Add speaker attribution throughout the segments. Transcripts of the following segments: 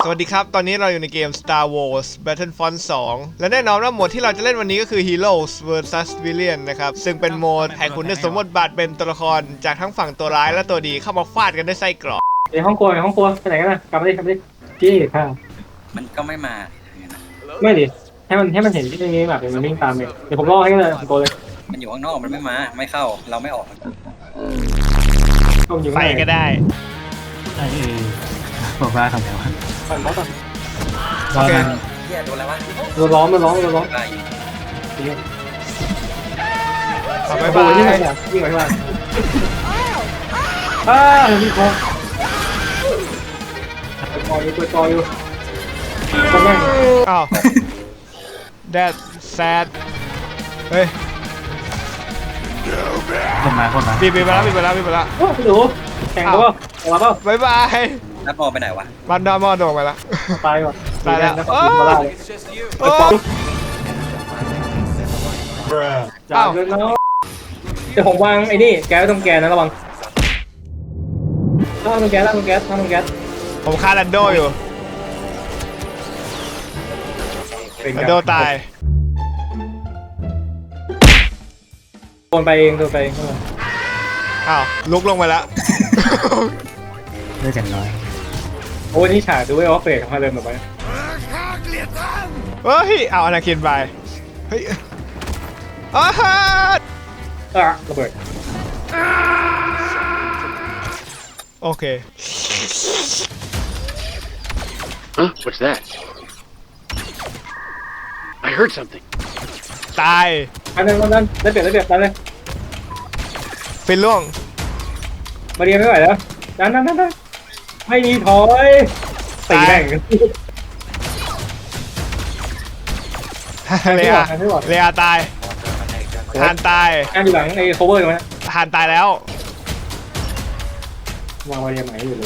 Speaker 1: วัสดีครับตอนนี้เราอยู่ในเกม Star Wars Battlefront 2 และแน่นอนว่าโหมดที่เราจะเล่นวันนี้ก็คือ Heroes vs Villains นะครับซึ่งเป็นโหมดให้คุณได้สวมบทบาทเป็นตัวละครจากทั้งฝั่งตัวร้ายและตัวดีเข้ามาฟาดกันด้วยไส้กรอก
Speaker 2: ในห้องครัวไปไหนกันนะกลับมาดิจี้ค่ะ
Speaker 3: มันก็ไม่มา
Speaker 2: ไม่ดิให้มันเห็นที่ตรงนี้แบบมันวิ่งตามเลยเดี๋ยวผมล่อให้เลยผมโกเลย
Speaker 3: มันอยู่ข้างนอกมันไม่มาไม่เข้าเราไม่ออก
Speaker 2: ต้องยิง
Speaker 1: ไปก็ได้
Speaker 4: บอกว่าทำไงวะ
Speaker 2: ปั่นบอสก่อน
Speaker 1: โอเค
Speaker 3: เฮียโดนแล้ววะ
Speaker 2: มันร้อน
Speaker 3: ตาย
Speaker 1: ขอบาย
Speaker 2: โอ้
Speaker 1: บาย
Speaker 2: ยยิงไปเนี่ยยิงไปข้างล่างมีคอตัวจออยู่คนแม่ง
Speaker 1: อ้าว That sad เฮ้ย
Speaker 4: คนมา
Speaker 1: บีบไปแล้ว
Speaker 2: โอ้พี่ดูแข่งตัวมาเปล่า
Speaker 1: บายบาย
Speaker 3: นัดมอไปไหนวะ
Speaker 1: มันดอมอโดดไปแล้ว
Speaker 2: ตายก่อน
Speaker 1: ตายแล้ว
Speaker 2: มาได้
Speaker 1: โอ้
Speaker 2: จับเลยเนาะเดี๋ยวผมวางไอ้นี่แก๊สตรงแกนนะระวังถ้าตรงแก๊ส
Speaker 1: ผมฆ่าแลนโดอยู่แลนโดตาย
Speaker 2: โดนไปเอง
Speaker 1: อ้าวลุกลงไปแล้ว
Speaker 4: เลือดอย่างน้อย
Speaker 2: โอ้นี่ฉากดูไอ้ออฟเฟกมาเดินแบบไป
Speaker 1: เฮ้ยเอาอนาคินไปเฮ้ยอ้าฮะ
Speaker 2: ระเบิด
Speaker 1: โอเค
Speaker 5: Huh? What's that? I heard something.
Speaker 1: ตาย
Speaker 2: อันนั้นได้เปรียบเลย
Speaker 1: ฟินล่วง
Speaker 2: มาเรียนไม่ไหวแล้วดันไม่มีถอยตีแม่ง
Speaker 1: เลียตายฮานตาย
Speaker 2: งานอยู่หลังไอ้โคเวอร์ตรงนี้
Speaker 1: ฮานตายแล้ว
Speaker 2: วางมาเรียนใหม่อยู่เลย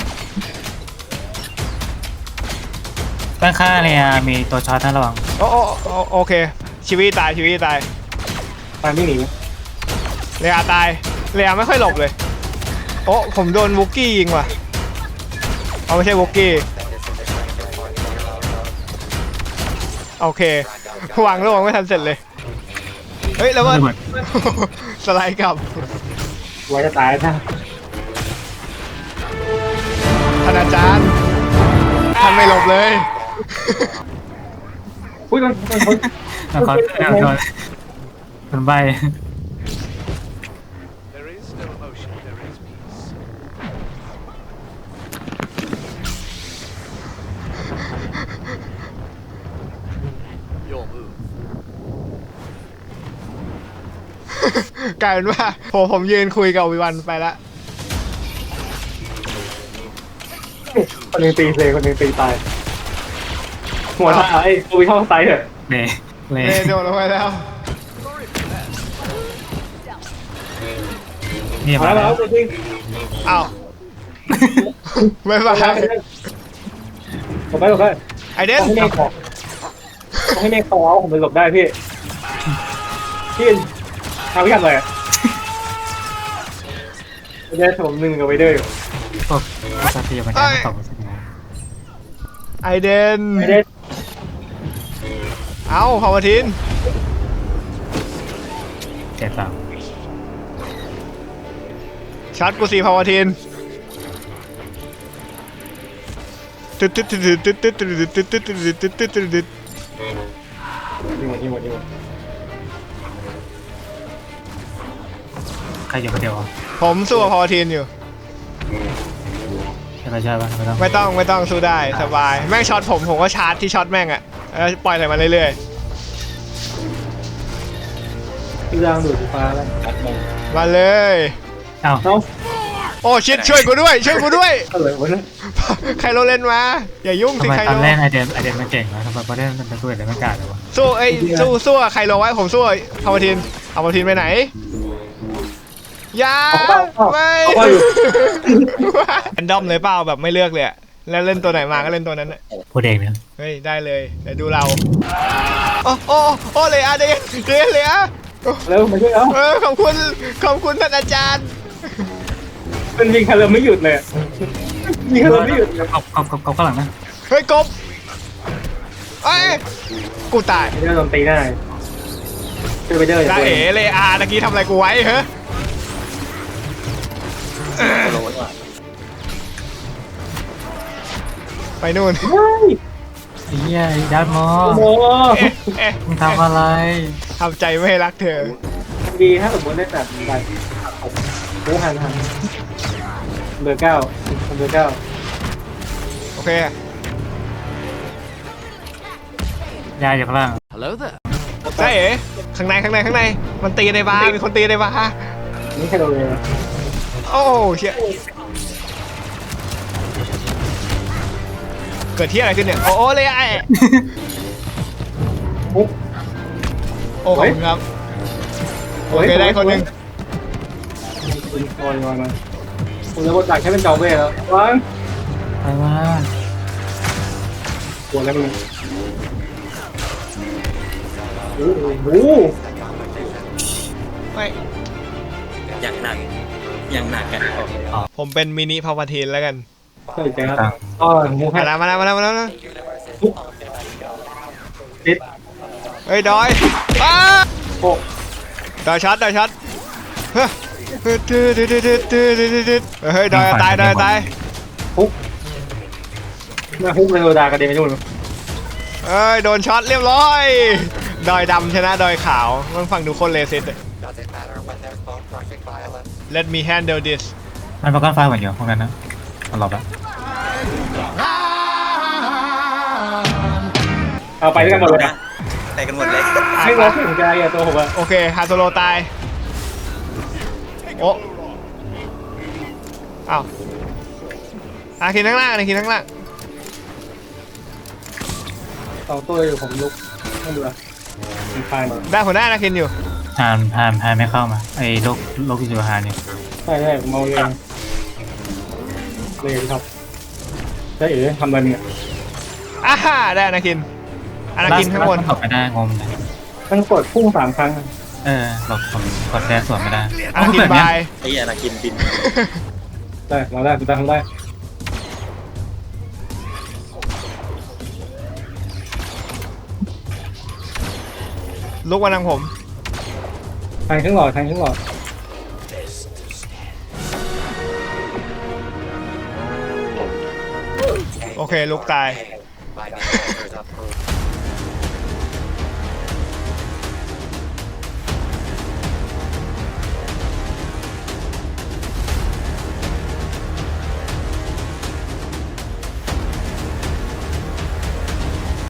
Speaker 4: ด้านข้างเนี่ยมีตัวช็อตนะระวัง
Speaker 1: โอเคชีวิตตาย
Speaker 2: ตามไม่หนี
Speaker 1: เลียตายเลียไม่ค่อยหลบเลยโอ้ผมโดนวุกกี้ยิงว่ะเอาไม่ใช่วุกกี้โอเควางระวังไม่ทันเสร็จเลยเฮ้ยแล้วว่า สไลด์กลับ
Speaker 2: ไว้จะตายนะ
Speaker 1: ท่านอาจารย์ท่านไม่หลบเลย
Speaker 2: อุ้ยมัน
Speaker 4: แล้วก็คนใบ
Speaker 6: There is no emotion, there is peace. Your move.
Speaker 1: กลายเป็นว่าผมยืนคุยกับวิวันไปแล้ว
Speaker 2: คนนึงตีเลยคนนึงตีตายหัวตายไอ้กูชอบตายเถอะ
Speaker 4: เละเละ
Speaker 1: โดนลงไปแล้ว
Speaker 4: นี่
Speaker 2: มา
Speaker 4: มา
Speaker 2: แล้
Speaker 4: แล้ว ว
Speaker 2: จริง
Speaker 1: อ้าวบ๊ายบาย
Speaker 2: ผมไป
Speaker 1: ไอเดน
Speaker 2: ให้เมฆขอให้เมฆขอผมไปหลบได้พี่ทำพิกัดเลยได้ผม1กับไวเดอร์อยู่
Speaker 4: พวกสัตว์ที่มันจะตกสักอย่าง
Speaker 1: ไอเดน
Speaker 2: ไม่ได้
Speaker 1: เอ้าพาวทิน
Speaker 4: เจ็บเปล่า
Speaker 1: ชัดกูสีพาวทินตึ๊ด
Speaker 2: ยิงหมด
Speaker 4: ใครอยู่คนเดียว
Speaker 1: ผมสู้กับพาวทินอยู่
Speaker 4: ใช่ไหมใช่ป่ะไม่ต้อง
Speaker 1: ไม่ต้องสู้ได้สบายแม่งช็อตผมก็ชาร์จที่ช็อตแม่งอะแล้วปล่อยอะไรมาเรื่อย
Speaker 2: พี่ร่างดูดฟ้าแล้ว
Speaker 1: ๆมาเลย
Speaker 4: เอ้า
Speaker 1: โอ้ชิดช่วยกูด้วย
Speaker 2: อะไรวะเนี่ย
Speaker 1: ใครโรเล่นมาอย่ายุ่ง
Speaker 4: ทำ
Speaker 1: สิ
Speaker 4: ไม
Speaker 1: ใคร
Speaker 4: ตอน
Speaker 1: โร
Speaker 4: แรกไอเดนมันเก่งวะทำไมพอได้มันไปด้วยแต่ไม่กล้าเลยวะ
Speaker 1: สู้ใครโรไว้ผมสู้พาวทินเอาพาวทินไปไหนยาไม่แรนดอมเลยเปล่าแบบไม่เลือกเลยแล้วเล่นตัวไหนมาก็เล่นตัวนั้น
Speaker 4: พูดเองเนี่ย
Speaker 1: เฮ้ยได้เลยเดี๋ยวดูเราโอ้เลยเดนเลย
Speaker 2: เร็วมาช่วยแล้ว
Speaker 1: ขอบคุณท่านอาจารย์
Speaker 2: มันยิงคาร์ลไม่หยุดเลยยิงคาร์ลไม่หยุด
Speaker 4: เขาข้างหลังนะ
Speaker 1: เฮ้ยกบเอ้ยกูตาย
Speaker 2: ไปเดอร์โดนตีได้ช่วยไปเดอร์อย่า
Speaker 1: จ้า
Speaker 2: ตัว
Speaker 1: เอ๋
Speaker 2: เอง
Speaker 1: เลยอาตะกี้ทำอะไรกูไว้เหรอ
Speaker 3: โลนว่ะ
Speaker 1: ไปนู่น
Speaker 2: เฮ้ย
Speaker 4: เฮียยัดมอ
Speaker 2: โอ้โห
Speaker 1: เอ๊ะ
Speaker 4: มึงทำอะไร
Speaker 1: ทำใจไม่ให้รักเธอ
Speaker 2: ดีถ้าสมมติได้แบบแบบโอ้หันเบอร์เก้าเบอร์เก้า
Speaker 1: โอเค
Speaker 4: ยายอยู่ข้างล่าง
Speaker 6: Hello there.
Speaker 1: จ้าเอ๋ข้างในมันตีในบาร์มีคนตีในบาร์
Speaker 2: นี่แค่โดนเลย
Speaker 1: โอ้เชี่ยเกิดที่อะไรขึ้นเนี่ย โอ้เลยไอ้
Speaker 2: ปุ๊บ
Speaker 1: โอ้ขอบคุณครับ โอเคได้คนหนึ่ง
Speaker 2: ลอยมาผมจะบดดักแค่เป็นเจ้าเบ้แล้ววาง
Speaker 4: ไปมา
Speaker 2: ปวดแล้วมึงโอ้โห
Speaker 1: ไม่
Speaker 3: อย่างหนักกัน
Speaker 1: ผมเป็นมินิพาวทีนแล้วกัน
Speaker 2: ใช่ใจครับอ๋อมูให้
Speaker 1: มาแล้ว
Speaker 2: ติด
Speaker 1: เฮ้ยดอยอ้า
Speaker 2: โอ้
Speaker 1: ดอยช็อตเฮ้ยเฮ้ยดอยตาย
Speaker 2: ปุ๊บแม่ฮุกเลยโดนด่ากระเด็นไปนู่น
Speaker 1: เอ้ยโดนช็อตเรียบร้อยดอยดำชนะดอยขาวมันฟังดูคนเลสิต Let me handle this
Speaker 4: มันประกันไฟเหมือนเดียวพวกนั้นนะมันหลบแล้ว
Speaker 2: เอาไปด้วยกันหมดเลย
Speaker 3: นะไปกันหมดเลย
Speaker 2: ไม่ร้องถึงใจอ่ะตัวผมอ่ะ
Speaker 1: โอเคฮาโซโลตายโอ้อ้าวอาคินข้างล่าง
Speaker 2: สองตัวอยู่ผมลุกไม่ดูอ่ะมันคลายมา
Speaker 1: ได้หัวหน้านาคินอยู่
Speaker 4: พานไม่เข้ามาไอ้โรคที่อยู่หานี่
Speaker 2: ใช่ผมเอาเลยครับใช่เอ๋ทำอะไรเนี่ย
Speaker 1: อ่าฮ่าได้อนาคินข้างบน
Speaker 4: หลบไม่ได้งมเลย
Speaker 2: ต้องกดพุ่ง3 ครั้ง
Speaker 4: หลบผมกดแดนสวนไม่ได้
Speaker 1: อาคิน
Speaker 4: เปิด
Speaker 1: บา
Speaker 4: เนี่ย
Speaker 1: ย
Speaker 3: ไอ้อนาคินบิน
Speaker 2: ได้เราได้ทำได้
Speaker 1: ลุกมาทางผม
Speaker 2: ทางครึ่งหลอด
Speaker 1: โอเคลุกตาย